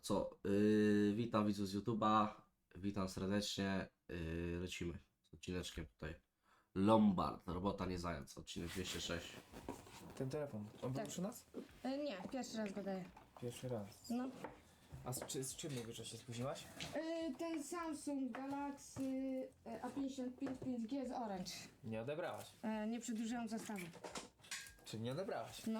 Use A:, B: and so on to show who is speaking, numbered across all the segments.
A: co? Witam widzów z YouTube'a. Witam serdecznie. Lecimy z odcineczkiem tutaj. Lombard, robota nie zając, odcinek 206.
B: Ten telefon, on był
C: Tak.
B: przy nas?
C: Nie, pierwszy raz go daję.
B: Pierwszy raz.
C: No.
B: A z czym mówisz, że się spóźniłaś?
C: Ten Samsung Galaxy A55 5G z Orange.
B: Nie odebrałaś.
C: Nie przedłużyłam zestawu.
B: Czy nie odebrałaś?
C: No.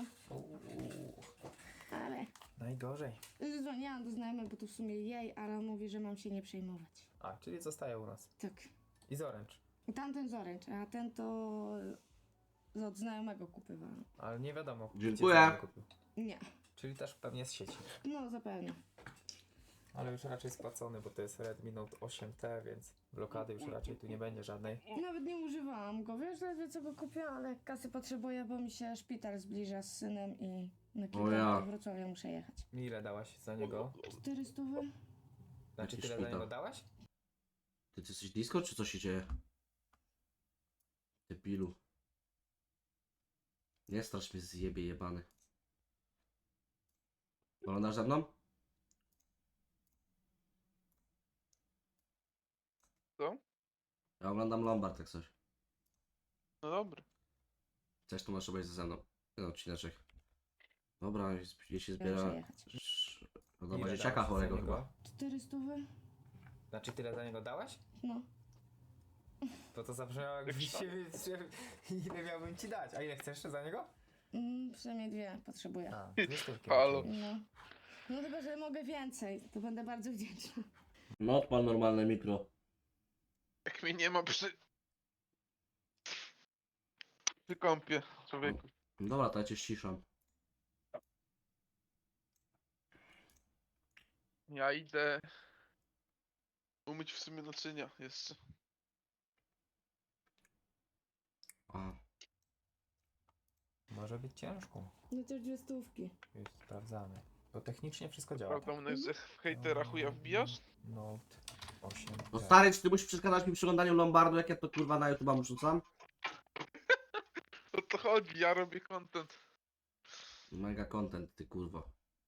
C: Ale
B: Najgorzej.
C: dzwoniłam do znajomej, bo to w sumie jej, ale on mówi, że mam się nie przejmować.
B: A, czyli zostaje u nas.
C: Tak.
B: I z Orange.
C: Tamten z Orange, a ten to od znajomego kupywałam.
B: Ale nie wiadomo. gdzie
A: Dziękuję.
B: znajomy kupił.
C: Nie.
B: Czyli też pewnie z sieci.
C: No zapewne.
B: Ale już raczej spłacony, bo to jest Redmi Note 8T, więc blokady już raczej tu nie będzie żadnej.
C: Nawet nie używałam go, wiesz, ledwie co go kupiłam, ale kasy potrzebuję, bo mi się szpital zbliża z synem i na kilka
A: ja.
C: do Wrocławia muszę jechać.
B: Ile dałaś za niego?
C: 400?
B: Znaczy
A: Jaki
B: tyle za
A: szpital?
B: niego dałaś?
A: Ty jesteś disco, czy co się dzieje? Debilu. Nie strasz mnie, zjebie jebany. Oglądasz ze mną?
D: Co?
A: Ja oglądam Lombard jak coś.
D: No dobra.
A: Chcesz, to masz obejrzeć ze mną. Ten odcineczek. Dobra, jeśli
C: Muszę
A: zbiera...
C: jechać.
A: No dobra,
B: Ile
A: dzieciaka
B: dałaś za
A: chorego
B: niego?
A: chyba.
C: 400?
B: Znaczy tyle za niego dałaś?
C: No.
B: Bo to zabrzmiało jakby się... Ile miałbym ci dać? A ile chcesz za niego?
C: Przynajmniej dwie potrzebuję.
B: A, 200.
D: Halo.
C: No. No chyba, że mogę więcej, to będę bardzo wdzięczna.
A: No odpal normalne mikro.
D: Jak mnie nie ma przy kąpie, człowieku.
A: Dobra, to ja cię ściszam.
D: Ja idę umyć w sumie naczynia jeszcze.
A: A,
B: Może być ciężko.
C: No też dwie stówki.
B: Już sprawdzamy. To technicznie wszystko działa.
D: Prawda, mnie, że w hejtera chuja wbijasz?
B: Note 8.
A: no stary, czy ty musisz przeszkadzać mi przy oglądaniu Lombardu, jak ja to kurwa na YouTube'a wrzucam?
D: O to chodzi, ja robię content.
A: Mega content, ty kurwa.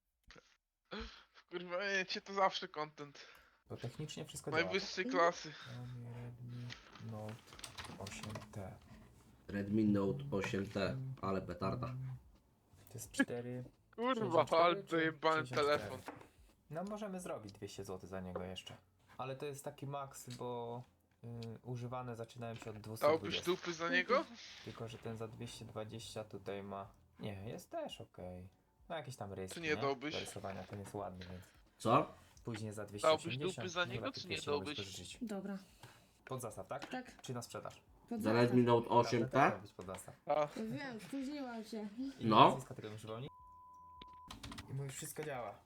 D: Kurwa, cię to zawsze content.
B: To technicznie wszystko działa.
D: Najwyższej klasy.
B: Xiaomi Redmi Note 8T.
A: Redmi Note 8T, ale petarda.
B: To jest 4.
D: Kurwa,
B: 64
D: ale
B: czy
D: dojebany
B: 64?
D: telefon.
B: No możemy zrobić 200 zł za niego jeszcze. Ale to jest taki maks, bo używane zaczynają się od
D: Dałbyś
B: 220.
D: dupy za niego?
B: Tylko, że ten za 220 tutaj ma... Nie, jest też okej. No jakieś tam rysy,
D: Czy nie dałbyś?
B: Do rysowania, ten jest ładny, więc...
A: Co?
B: Później za
D: Dałbyś
B: 280.
D: dupy za
B: no
D: niego,
B: lepiej
D: czy nie
B: pierwszy mogłeś
D: dałbyś?
B: pożyczyć.
C: Dobra.
B: Pod zastaw, tak?
C: Tak.
B: Czy na sprzedaż?
C: Pod
A: Za
C: zastaw.
A: Redmi Note
B: Prawda, też
A: 8T?
B: ma być pod zastaw.
D: A,
C: Wiem, spóźniłam się.
B: Imię,
A: No.
B: nazwisko tego mi przypomni? I mu już wszystko działa.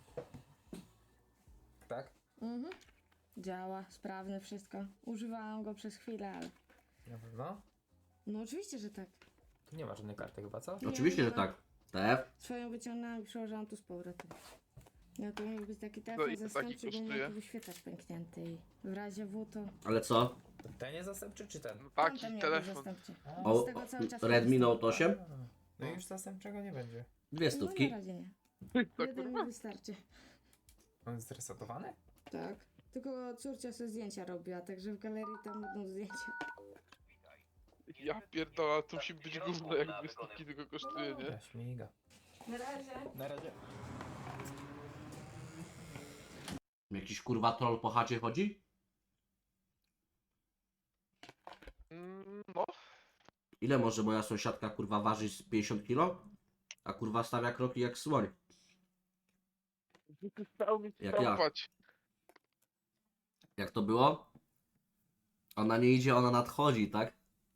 B: Tak?
C: Mhm. Działa, sprawne wszystko. Używałam go przez chwilę, ale...
B: Na pewno?
C: No oczywiście, że tak.
B: Tu nie ma żadnej karty chyba, co?
C: Nie,
A: Oczywiście,
C: nie
A: że
C: ma.
A: tak. TF?
C: Swoją wyciągnęłam i przełożyłam tu z powrotem. No to miał być taki
D: No
C: telefon
D: i to taki
C: zastępczy, bo
D: kosztuje?
C: miał wyświetlacz pęknięty i w razie W to...
A: Ale co?
B: Ten jest zastępczy czy ten?
D: no
C: Tamten
D: taki
C: miał być
D: telefon.
C: zastępczy.
B: A,
A: O,
C: Z tego cały czas
A: Redmi
C: korzystam.
A: Note 8?
B: No i już zastępczego nie będzie.
A: Dwie
C: No
A: stówki.
C: na razie nie.
D: To
C: Jeden
D: kurwa.
C: mi wystarczy.
B: On jest zresetowany?
C: Tak. Tylko córcia sobie zdjęcia robiła, także w galerii tam będą zdjęcia.
D: Ja pierdolę, to musi być gówno, jak 2 stówki tylko kosztuje, nie?
B: Ja śmiga.
C: Na razie.
B: Na razie.
A: Jakiś kurwa troll po chacie chodzi?
D: No,
A: Ile może moja sąsiadka kurwa ważyć z 50 kilo? A kurwa stawia kroki jak słoń.
D: stał mi
A: Jak ja.
D: stąpać.
A: Jak to było? Ona nie idzie, ona nadchodzi, tak?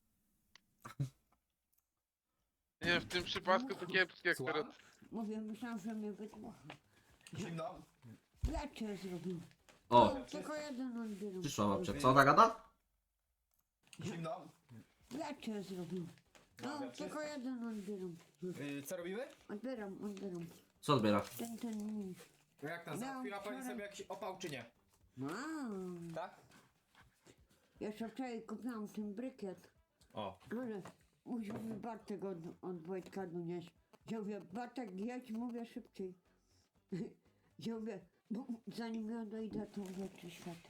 D: Nie, w tym przypadku to kiepskie akurat.
E: Mówię, myślałam, że mnie wydmucha.
B: Zimno.
E: Ja cię zrobił.
A: O,
E: No, tylko jeden odbieram.
A: przyszła babcia. Co ona gada?
B: Zimno.
E: Ja cię zrobił. No,
B: Dobra,
E: tylko jeden odbieram.
B: Co robimy?
E: Odbieram.
A: Co odbiera?
E: Ten.
B: No jak tam,
E: No,
B: załatwiła pani
E: wczoraj-
B: sobie jakiś opał czy nie?
E: Wow.
B: Tak?
E: Jeszcze wczoraj kupiłam ten brykiet,
B: O.
E: ale musiał mi Bartek od Wojtka donieść. Ja mówię, Bartek jedź, mówię szybciej. Ja mówię, Bo zanim ja dojdę, to włączy światło.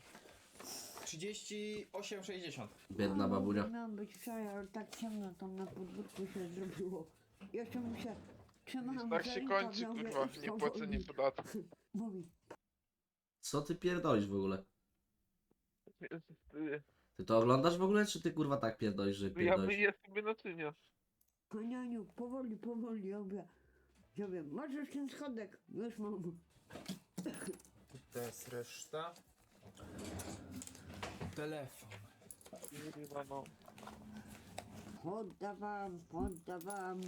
B: 38,60.
A: Biedna babunia.
E: Miałam być wczoraj, ale tak ciemno tam na podwórku się zrobiło. Jeszcze mu się trzymałam
D: Tak
E: za
D: się
E: rękaw,
D: kończy,
E: ja mówię,
D: kurwa,
E: idź
D: niepłacenie
E: powoli.
D: podatku.
E: Mówi,
A: Co ty pierdolisz w ogóle?
D: Ja
A: Ty to oglądasz w ogóle, czy ty kurwa tak pierdolisz, że pierdolisz?
D: myję sobie naczynia.
E: Konianiu, powoli, powoli, ja wiem, masz już ten schodek, już mam.
B: To jest reszta. Telefon.
D: Kurwa, no.
E: Oddawam.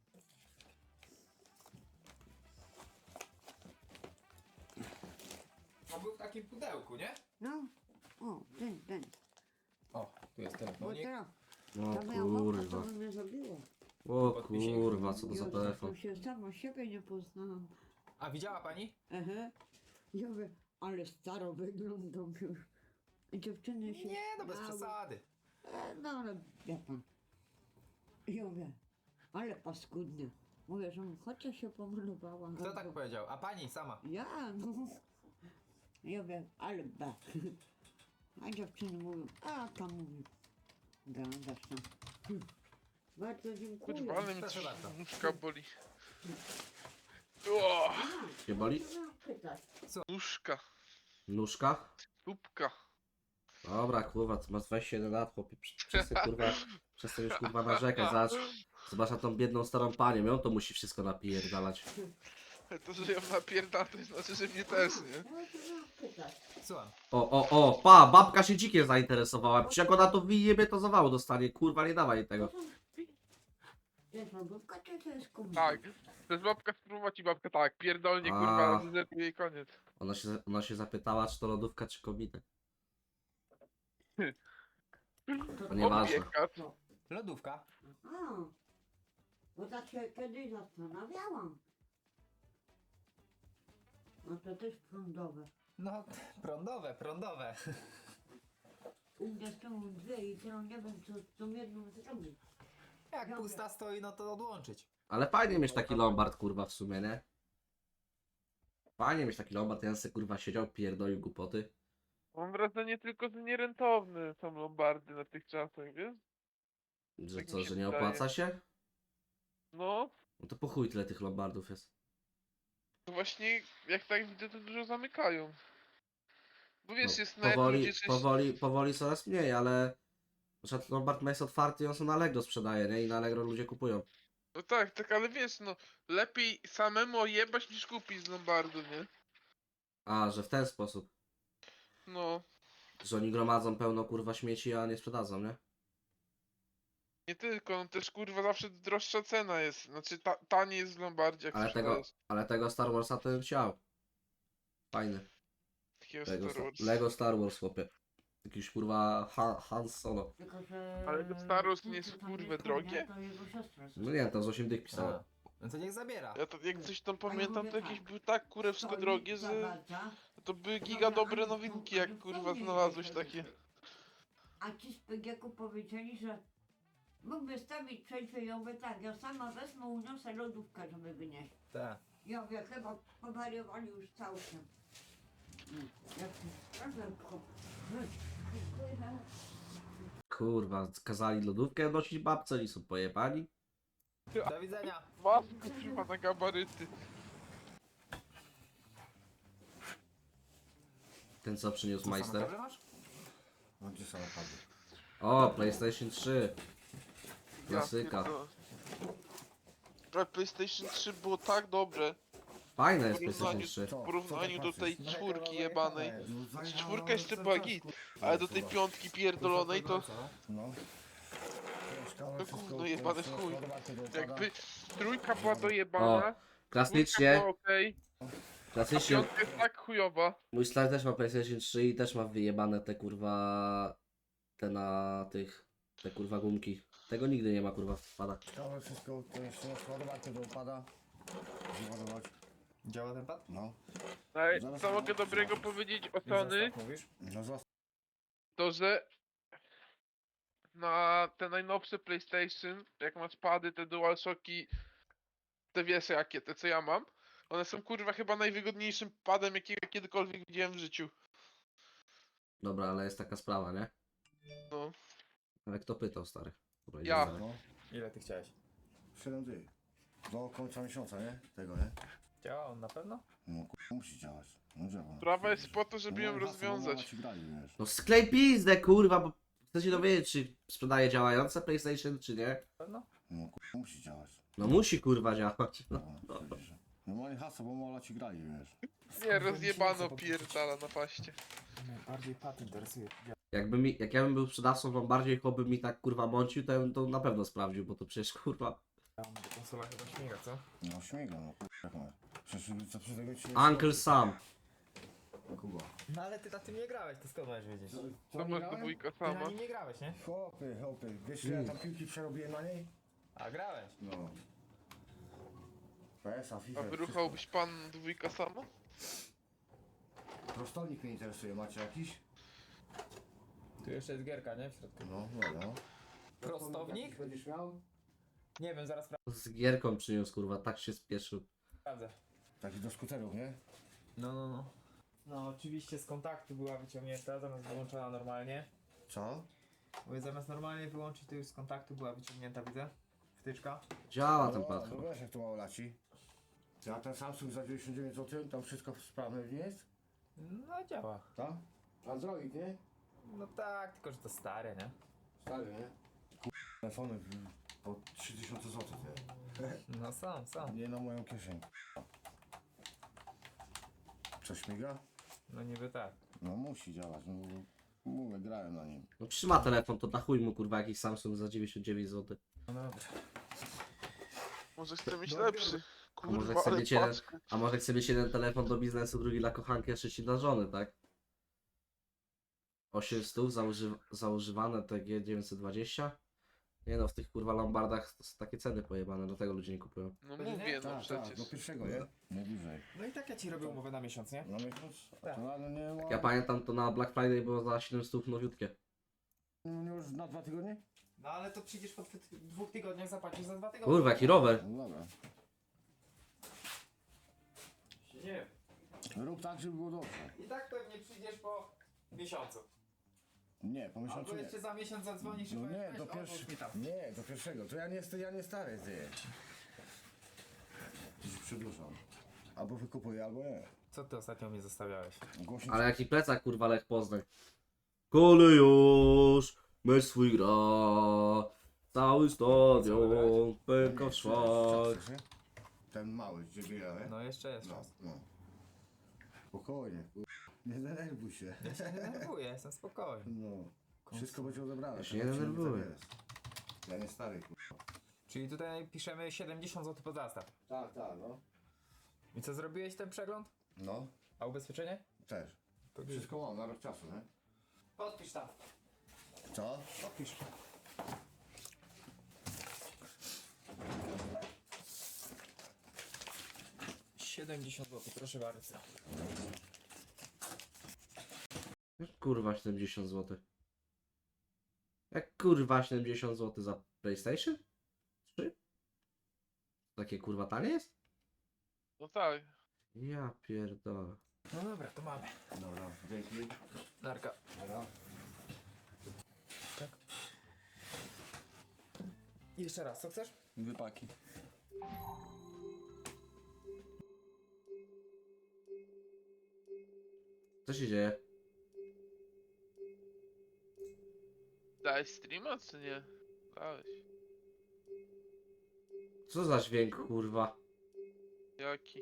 B: On był w takim pudełku, nie?
E: No, o, ten,
B: O, tu jest
E: bo
B: telefonik.
E: teraz,
A: O
E: to miał mokro, to
A: kurwa.
E: by mnie zabiło.
A: O kurwa, co to za
E: Ja
A: telefon?
E: to się sama siebie nie poznałam.
B: A widziała pani?
E: Aha. Ja mówię, ale staro wyglądam już. I dziewczyny się
B: Nie, no bez
E: śmiały.
B: przesady.
E: No ale wie pan. Ja mówię, ale paskudnie. Mówię, że chociaż się pomalowała.
B: Kto tak powiedział? A pani sama?
E: Ja, no. Ja mówię, ale ba. A dziewczyny mówią, a tam mówię. Gadasz tam. Bardzo dziękuję.
D: Kurwa, ale mi
B: Proszę
D: coś
B: bardzo.
D: nóżka boli. O,
A: Cię boli?
D: nóżka,
A: Nóżka?
D: stópka.
A: Dobra, kurwa, ty masz 21 lat, chłopie. Przestań kurwa, przestań już kurwa narzekać, zobacz na tą biedną starą panią, ją to musi wszystko napierdalać.
D: To, że ją napierda, to znaczy, że mnie też, nie?
B: Słucham.
A: Pa, babka się dzikiem zainteresowała. Przecież jak ona to wyjebie, to zawału dostanie. Kurwa, nie dawaj jej tego.
E: Jest lodówka, czy to jest kubek?
D: Tak. To jest babka spróbować i babka tak, pierdolnie,
A: A.
D: kurwa, zepnie jej koniec.
A: Ona się zapytała, czy to lodówka, czy kobieta. To nieważne.
D: Opieka.
B: Lodówka.
E: A, bo tak się kiedyś zastanawiałam. No to też prądowe.
B: No, prądowe.
E: U mnie są dwie i teraz nie wiem, co z tą jedną zrobić.
B: Jak
E: Dobra.
B: pusta stoi, no to odłączyć.
A: Ale fajnie mieć taki lombard, kurwa, w sumie, nie? Fajnie mieć taki lombard, ja sobie, kurwa, siedział, pierdolił głupoty.
D: Mam wrażenie tylko, że nierentowne są lombardy na tych czasach, wiesz?
A: Że
D: Tak mi
A: co,
D: się
A: że nie
D: wydaje.
A: opłaca się?
D: No,
A: No to po chuj tyle tych lombardów jest.
D: to właśnie jak tak widzę, to dużo zamykają. Bo wiesz, jest nawet ludzie,
A: Powoli coraz mniej, ale... Na przykład lombard ma jest otwarty i on sobie na Allegro sprzedaje, nie? I na Allegro ludzie kupują.
D: No tak, ale wiesz, no, lepiej samemu ojebać niż kupić z lombardu, nie?
A: A, że w ten sposób.
D: No,
A: Że oni gromadzą pełno, kurwa, śmieci, a nie sprzedadzą, nie?
D: nie tylko, no też kurwa zawsze droższa cena jest, znaczy taniej jest w lombardzie jak sprzedajesz
A: Ale tego Star Warsa to bym chciał. Fajny.
D: takiego
A: Lego,
D: Star Wars.
A: Lego Star Wars, chłopie. Jakiś kurwa Han Solo.
E: Tylko, że...
D: Ale to Star Wars nie jest,
E: to tam
D: kurwa,
E: jest
D: drogie?
E: To jego siostra.
A: No nie, to z 8 dych pisało.
B: A. No to niech zabiera.
D: Ja to jak coś tam
E: A ja
D: pamiętam,
E: mówię
D: to jakieś
E: tak,
D: były tak kurewsko
E: Stoi,
D: drogie, że
E: zawraca,
D: to były
E: Dobra,
D: giga dobre
E: ale
D: nowinki,
E: to-
D: jak
E: ale
D: kurwa
E: fajnie
D: znalazłeś
E: jest,
D: takie.
E: A ci z PGK-u powiedzieli, że mógłby stawić przejście, ja mówię tak, ja sama wezmę, uniosę lodówkę, żeby wynieść.
B: Tak.
E: Ja mówię, chyba powariowali już całkiem. Jak
A: Kurwa, kazali lodówkę nosić babce, oni są pojebani.
B: Do widzenia.
D: Wasku kurwa na gabaryty.
A: Ten co przyniósł
B: Co,
A: majster.
B: samochodzie masz?
F: No gdzie samochody?
A: O, PlayStation 3.
D: Ja
A: Klasyka.
D: pierdolę. Ale PlayStation 3 było tak dobre
A: Fajne jest
D: w
A: PlayStation
D: porównaniu-
A: 3.
D: w porównaniu do tej
F: patrzysz?
D: czwórki jebanej. Czwórka jeszcze była git, ale do tej piątki pierdolonej to
F: No.
D: to gówno jebane w chuj. Jakby trójka była
A: O,
D: dojebana, czwórka
A: klasycznie,
D: była okej, a
A: klasycznie.
D: piątka jest tak chujowa.
A: Mój stary też ma PlayStation 3 i też ma wyjebane te kurwa... Te kurwa gumki. Tego nigdy nie ma kurwa w padach.
F: Ciekawe wszystko, to jeszcze nie ładować, to upada. Załadować.
B: Działa ten pad?
F: No.
D: Ale
F: Zaraz
D: co
F: mam
D: mogę dobrego
F: zobaczyć.
D: powiedzieć o
B: Już
D: Sony,
B: zostaw, mówisz?
F: No zostaw.
D: to że na te najnowsze PlayStation, jak masz pady, te DualShocki, te wiesz jakie, te co ja mam, One są kurwa chyba najwygodniejszym padem, jakiego kiedykolwiek widziałem w życiu.
A: Dobra, ale jest taka sprawa, nie?
D: No.
A: Ale kto pytał, stary? Dobra,
D: Ja.
A: idziemy dalej.
F: No,
B: Ile ty chciałeś?
F: 7 dych. Do końca miesiąca, nie? Tego, nie?
B: Działa on na pewno?
F: No musi działać. No działa.
D: Sprawa jest po to, żeby ją
F: No, hasło, bo
D: rozwiązać.
F: ci grali, wiesz.
A: No sklej pizdę, kurwa, bo chcę się dowiedzieć, czy sprzedaje działające PlayStation, czy nie.
B: Na pewno?
F: No musi działać.
A: No musi, kurwa, działać.
F: No, przecież. No moje hasło, bo mola ci grali, wiesz.
D: Nie, rozjebano pierdala na paście.
B: Najbardziej pat interesuje.
A: Jak ja bym był sprzedawcą, wam bardziej choby mi tak, kurwa, mącił, to ja bym to na pewno sprawdził, bo to przecież, kurwa,
B: Konsola chyba śmiga, co?
F: No śmiga, no kurwa. Przecież co przy tego ci
A: Uncle Sam.
F: Kuba.
B: No ale ty na tym nie grałeś, to skąd masz wiedzieć?
D: To masz do wujka
B: Ty na
D: sama.
B: nim nie grałeś, nie?
F: Chłopy, wiesz ile ja tam piłki przerobiłem na niej?
B: A grałeś.
F: No. PS-a, FIFA.
D: A wyruchałbyś pan dwójka sama?
F: Prostownik mnie interesuje, macie jakiś?
B: Tu jeszcze jest gierka, nie? W środku.
F: No, no.
B: Prostownik?
F: Będziesz miał?
B: Nie wiem, zaraz
A: Z gierką przyniósł, kurwa, tak się spieszył.
B: sprawdzę.
F: Taki do skuterów, nie?
B: No. No oczywiście z kontaktu była wyciągnięta, zamiast wyłączona normalnie.
F: Co?
B: Bo zamiast normalnie wyłączyć, to już z kontaktu była wyciągnięta, widzę. Wtyczka.
A: Działa ten
F: No,
A: pad
F: no
A: chyba.
F: wiesz jak to mało laci. Ja ten Samsung za 99 zł, tam wszystko sprawne nie jest?
B: No działa.
F: Tak? Android, nie?
B: No tak, tylko że to stare, nie?
F: Stary, nie? Telefony po 3000 zł, nie?
B: No są.
F: Nie na moją kieszeń. Co śmiga?
B: No niby tak.
F: No musi działać, no mówię, grałem na nim.
A: No trzyma telefon, to na chuj mu, kurwa, jakiś Samsung za 99 zł.
B: No dobra.
D: Może chcę mieć
B: Dobra.
D: lepszy.
A: może
D: Kurwa,
A: chce
D: ale
A: mieć jeden-
D: paczka.
A: A może chce mieć jeden telefon do biznesu, drugi dla kochanki, a trzeci dla żony, tak? 800 zaużywane TG 920. Nie no, w tych kurwa lombardach to są takie ceny pojebane, dlatego ludzie nie kupują.
D: No
B: Będzie,
D: mówię, no
F: Tak, tak, do
D: przecież.
F: pierwszego, nie? Nie dłużej.
B: No i tak ja ci robię umowę na miesiąc, nie?
F: Na miesiąc?
B: Tak.
F: To ale nie ma...
A: Jak ja pamiętam, to na Black Friday było za 700 nowiutkie.
F: Nie już na 2 tygodnie?
B: No ale to przyjdziesz po 2 tygodniach, zapłacisz za 2 tygodnie.
A: Kurwa, jaki rower.
F: No dobra.
B: Nie.
F: Rób tak, żeby było dobrze.
B: I tak pewnie przyjdziesz po miesiącu.
F: Nie, po miesiącu
B: Albo
F: nie.
B: jeszcze za miesiąc zadzwonisz i
F: No
B: powiesz,
F: nie,
B: weź,
F: do
B: odłóż
F: pierwszego.
B: mi tam.
F: Nie, do pierwszego. To ja nie stary, ty. Dziś przedłużam. Albo wykupuję, albo nie.
B: Co ty ostatnio mnie zostawiałeś?
F: Głośnik.
A: Ale jaki plecak, kurwa, Lech Poznań. Kolejusz, mecz swój gra. Cały stadion pęka w szwach.
F: Ten mały, gdzie biegałem.
B: No jeszcze jest
F: No,
B: czas.
F: no. Spokojnie, nie denerwuj się.
B: Ja się nie denerwuję, jestem spokojny.
F: No. Wszystko będzie odebrane.
A: Ja się nie
F: ten odcinek
A: denerwuję.
F: tak jest. Ja nie stary, kurwa.
B: Czyli tutaj piszemy 70 zł pod zastaw.
F: Tak, tak, no.
B: I co, zrobiłeś ten przegląd?
F: No,
B: A ubezpieczenie?
F: też.
B: To
F: Wszystko mam na rok czasu, nie?
B: Podpisz tam.
F: Co?
B: Podpisz. $70 zł, proszę bardzo.
A: Jak kurwa 70 zł? Jak kurwa 70 zł za PlayStation? 3? Takie kurwa tanie jest?
D: No tak.
A: Ja pierdolę.
B: No dobra, to mamy.
F: Dobra, dzięki.
B: Narka.
F: Dobra.
B: Tak. I jeszcze raz, co chcesz?
F: Wypaki.
A: Co się dzieje?
D: Dałeś streama, czy nie? Dałeś.
A: Co za dźwięk, kurwa?
D: Jaki?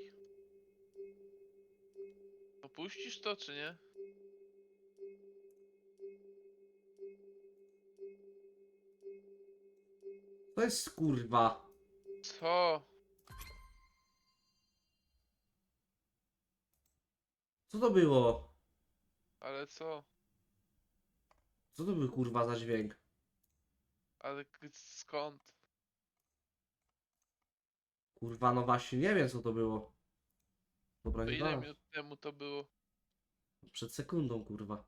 D: Opuścisz to, czy nie?
A: To jest kurwa.
D: Co?
A: Co to było?
D: Ale co?
A: Co to był kurwa za dźwięk?
D: Ale skąd?
A: Kurwa, no właśnie nie wiem co to było. Dobra,
D: To
A: nie
D: ile
A: dam.
D: minut temu to było?
A: Przed sekundą, kurwa.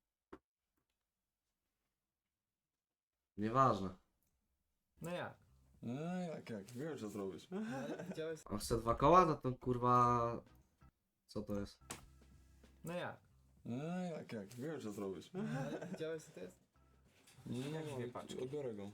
A: Nieważne.
B: No jak?
G: No jak, wiem co zrobisz.
B: Widziałeś?
A: On chce 2 koła? No to kurwa... Co to jest?
B: No jak?
G: No jak, wiem co zrobisz.
B: Widziałeś co to jest?
G: No,
B: Jak dwie paczki?
G: odbiorę go.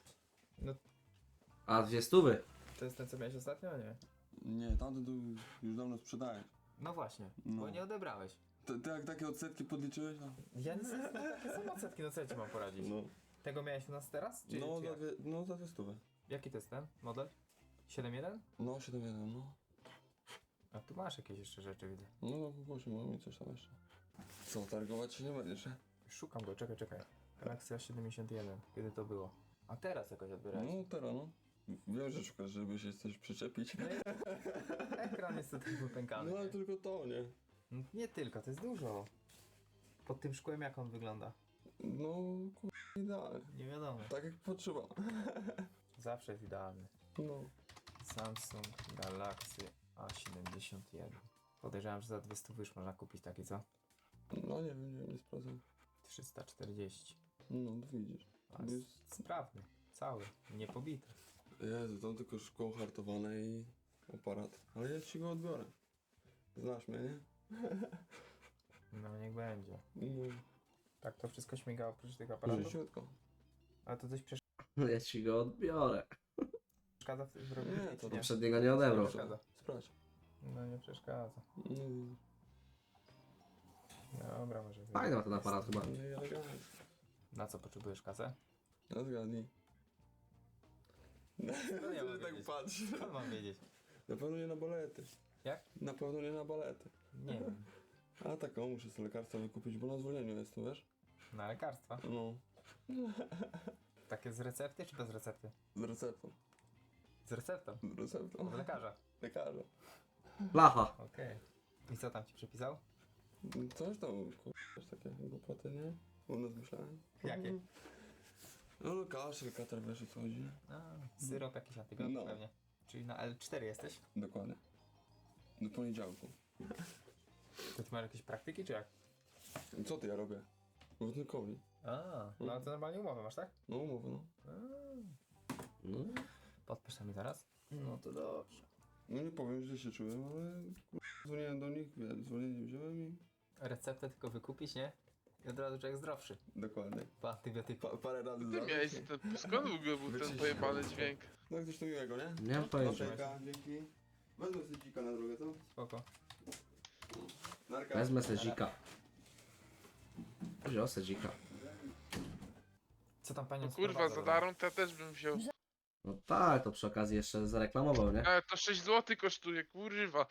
A: A 2 stówy?
B: To jest ten co miałeś ostatnio, nie?
G: Nie, tamten tu już dawno sprzedałem.
B: No właśnie,
G: No.
B: bo nie odebrałeś.
G: Ty jak takie odsetki podliczyłeś? No,
B: Ja nic nie takie są odsetki, no co ja ci mam poradzić?
G: no,
B: Tego miałeś u nas teraz? Czy,
G: no,
B: czy jak?
G: za 200.
B: Jaki to jest ten model? 7.1?
G: No, 7,1, no.
B: A tu masz jakieś jeszcze rzeczy, widzę.
G: No, kupuję, mam i coś tam jeszcze. Co, targować się nie będziesz, nie?
B: Szukam go, czekaj. Galaxia 71, kiedy to było? A teraz jakoś odbierałeś?
G: No, teraz, no. Wiem, że szukasz, żeby się coś przyczepić.
B: Ekran jest tutaj wypękany.
G: No, ale
B: nie?
G: tylko to, nie?
B: No, nie tylko, to jest dużo. Pod tym szkłem jak on wygląda?
G: No, idealnie.
B: Nie wiadomo.
G: Tak jak potrzeba.
B: Zawsze jest idealny.
G: No.
B: Samsung Galaxy A71. Podejrzewam, że za 200 już można kupić takie, co?
G: No, nie wiem, nie sprawdzam.
B: 340.
G: No, widzisz.
B: A sprawny, cały, nie pobity.
G: Jezu, tam tylko szkło hartowane i aparat. Ale ja ci go odbiorę. Znasz mnie, nie?
B: No niech będzie.
G: No,
B: Tak to wszystko śmigało oprócz tych aparatów?
G: życiutko.
B: Ale to coś
A: Ja ci go odbiorę.
B: przeszkadza w robieniu
G: Nie,
B: zdjęć,
G: to
B: nie?
A: Poprzedniego nie odebrał.
B: Przeszkadza.
G: Sprawdź.
B: No nie przeszkadza.
G: No, widzisz.
B: Dobra, może być.
A: Fajny ma ten aparat chyba.
G: No i elegancko.
B: Na co potrzebujesz kasę?
G: No zgadnij.
B: ja
G: Co
B: mam
G: ty tak
B: wiedzieć?
G: patrz?
B: Co mam wiedzieć?
G: Na pewno nie na balety.
B: Jak?
G: Na pewno nie na balety.
B: Nie wiem.
G: A tak, o, muszę sobie lekarstwo wykupić, bo na zwolnieniu jestem, wiesz?
B: Na lekarstwa?
G: No,
B: Takie z recepty czy bez recepty?
G: z receptą.
B: Z receptą.
G: Z receptą.
B: Od lekarza.
G: Lekarza.
A: Blacha.
B: Okej. I co tam ci przepisał?
G: Coś tam, coś takie głupoty, nie? U nas myślałem.
B: Jakie?
G: No, kaszel, katar, wiesz o co chodzi.
B: A, syrop jakiś antybiotyk
G: No.
B: pewnie. Czyli na L4 jesteś?
G: Dokładnie. Do poniedziałku.
B: To ty masz jakieś praktyki czy jak?
G: Co ty ja robię? Wodnikowi.
B: A, no to normalnie umowę masz, tak?
G: No, umowę, no.
A: No.
B: Podpisz mi zaraz? No to dobrze.
G: No nie powiem, że się czułem, ale dzwoniłem do nich, zwolnienie wziąłem i...
B: Receptę tylko wykupić, nie? I od razu człowiek zdrowszy.
G: Dokładnie.
B: Po antybiotyku.
G: Parę razy
D: Ty
G: zabił
D: miałeś
G: się.
D: ten, skąd w ogóle był ten
G: Wyczyścił.
D: pojebany dźwięk?
G: No coś tu miłego, nie?
A: Nie mam pojęcia.
G: Dobrze, dzięki. Wezmę sobie dzika na drogę, co?
B: Spoko.
G: Narka.
A: Wezmę sedzika. Wziął sedzika.
B: Co tam panią
D: No kurwa, za darą to ja też bym wziął.
A: No tak, to przy okazji jeszcze zareklamował, nie?
D: Ale to 6 zł kosztuje, kurwa.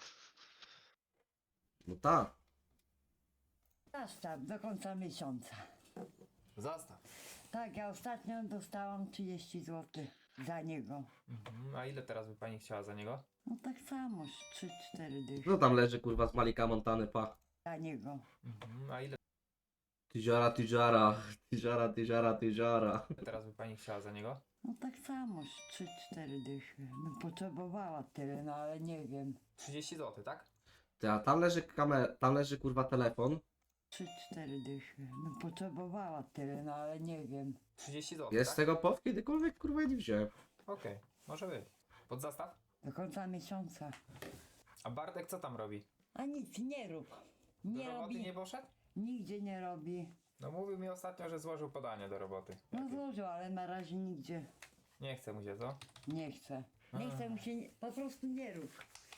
A: No tak.
E: Zastaw do końca miesiąca.
B: Zastaw.
E: Tak, ja ostatnio dostałam 30 zł za niego.
B: Mhm. A ile teraz by pani chciała za niego?
E: No tak samo, 3-4 dychy
A: Co tam leży kurwa z Malika Montany, pa?
E: za niego.
B: Mhm. A ile
A: Tijara, tijara. Tijara, tijara, tijara.
B: teraz by pani chciała za niego?
E: No tak samo, 3-4 dychy. Bym potrzebowała tyle, no ale nie wiem.
B: 30 zł, tak?
A: Ty, a tam leży kurwa telefon.
E: 3-4 dychy. Bym potrzebowała tyle, no ale nie wiem.
B: 30 zł,
A: Jest z
B: tak?
A: tego POW kiedykolwiek kurwa nie wziąłem.
B: Okej, może być. Pod zastaw?
E: Do końca miesiąca.
B: A Bartek co tam robi?
E: A nic nie rób.
B: Do
E: Nie
B: roboty
E: robi.
B: nie poszedł?
E: Nigdzie nie robi.
B: No mówił mi ostatnio, że złożył podanie do roboty.
E: No złożył, ale na razie nigdzie
B: Nie chce mu się, co?
E: nie chce. Nie chce mu się, po prostu nie rób.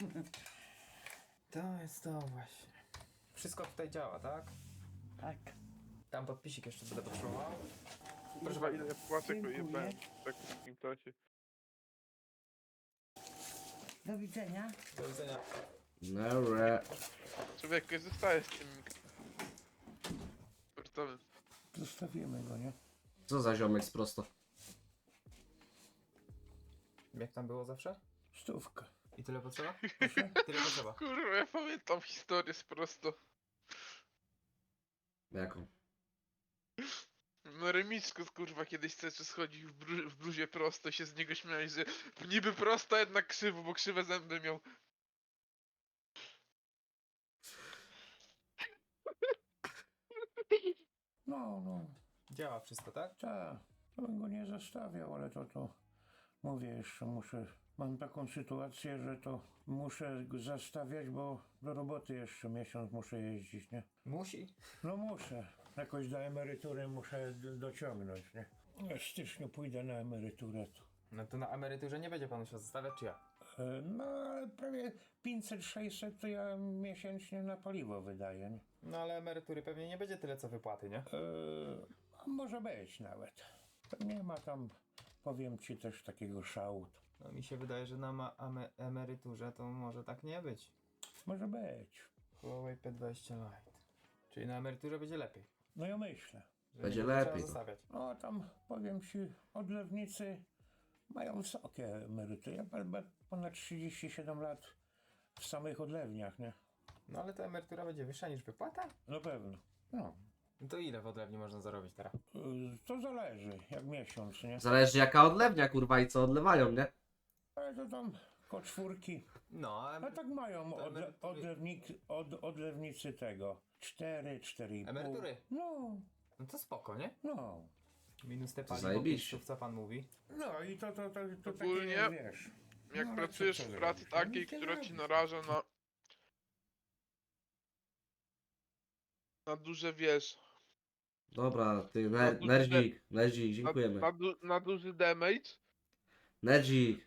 B: To jest to właśnie. Wszystko tutaj działa, tak?
E: Tak.
B: Tam podpisik jeszcze będę potrzebował.
D: Proszę pani, ile ja płacę,
E: Dziękuję.
D: jebałem tak w takim czasie.
E: Do widzenia.
B: Do widzenia.
A: Nere.
D: Człowiek zostaje z tym sportowym.
F: Zostawimy go, nie?
A: Co za ziomek z prosto.
B: Jak tam było zawsze?
F: Stówka.
B: I tyle potrzeba? Tyle potrzeba.
D: Kurwa, ja pamiętam historię z prosto.
A: Jaką?
D: Na remisku, kurwa, kiedyś Ceczy schodził w bluzie prosto i się z niego śmiałeś, że niby prosto, jednak krzywo, bo krzywe zęby miał.
F: No,
B: Działa wszystko, tak?
F: tak. To bym go nie zostawiał, ale to
H: Mówię, jeszcze muszę, mam taką sytuację, że to muszę go zastawiać, bo do roboty jeszcze miesiąc muszę jeździć, nie?
B: Musi?
H: No muszę, jakoś do emerytury muszę dociągnąć, nie? W styczniu pójdę na emeryturę.
B: No to na emeryturze nie będzie pan musiał zostawiać, czy ja?
H: No ale prawie 500-600 to ja miesięcznie na paliwo wydaję, nie?
B: No ale emerytury pewnie nie będzie tyle co wypłaty, nie?
H: A może być nawet. To nie ma tam, powiem ci, też takiego szału.
B: No mi się wydaje, że na emeryturze to może tak nie być.
H: Może być.
B: Huawei P20 Lite. Czyli na emeryturze będzie lepiej.
H: No ja myślę.
B: że
A: Będzie
B: nie trzeba
A: lepiej, no.
B: zostawiać.
H: No tam, powiem ci, odlewnicy mają wysokie emerytury. Ja ponad 37 lat w samych odlewniach, nie?
B: No ale ta emerytura będzie wyższa niż wypłata?
H: Na pewno. No.
B: No to ile w odlewni można zarobić teraz?
H: To zależy, jak miesiąc, nie?
A: Zależy jaka odlewnia, kurwa, i co odlewają, nie?
H: Ale to tam koło czwórki.
B: No,
H: A tak mają
B: to emerytury-
H: odlewnicy tego. 4,5.
B: Emerytury?
H: No,
B: no to spoko, nie?
H: no.
B: Minus te
A: To
B: paliwo,
A: zajebiście.
B: pizzów, co pan mówi.
H: No i to takie,
D: Ogólnie,
H: wiesz.
D: Jak
H: No, ale
D: pracujesz
H: co
D: w
H: zrobisz?
D: pracy
H: No,
D: takiej,
H: nic nie
D: która ci
H: zrobisz.
D: naraża na duże, wiesz,
A: Dobra, ty,
D: Na duży
A: Nerdzik, dziękujemy.
D: na duży damage,
A: Nerdzik.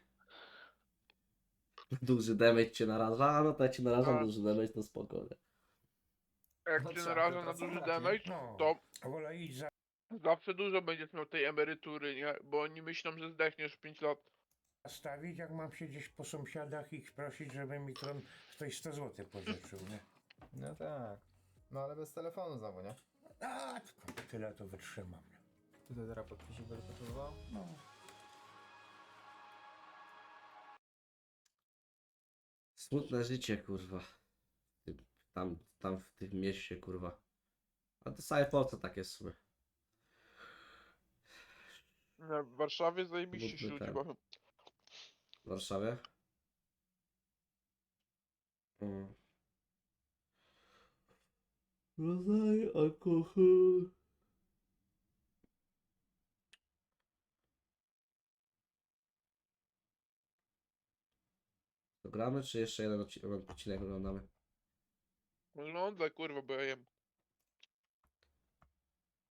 A: Duży damage cię naraża, a no to jak cię narażam
D: Tak.
A: duży damage, to spokojnie.
D: jak
B: No
D: cię
B: trzeba
D: naraża na
B: pracować,
D: duży
B: nie?
D: damage,
H: No,
D: to
H: wolę iść za
D: zawsze dużo będziesz miał tej emerytury, nie? Bo oni myślą, że zdechniesz w 5 lat.
H: stawić, jak mam siedzieć po sąsiadach i ich prosić, żeby mi ktoś 100 zł pożyczył, nie?
B: No tak. No ale bez telefonu znowu, nie?
H: A, tylko tyle to wytrzymam. Nie?
B: Tutaj teraz podpisik będę potrzebował.
H: No.
A: Smutne życie, kurwa. Tam w tym mieście, kurwa. A to całe Polsce tak jest w sumie.
D: Nie, w Warszawie zajebiście
A: Mógłby
D: się ludzi
A: ten.
D: bawią.
A: W Warszawie? Mm. Rodzaj, alkohol. To gramy, czy jeszcze jeden odcinek oglądamy?
D: Wygląda kurwa, bo ja jem.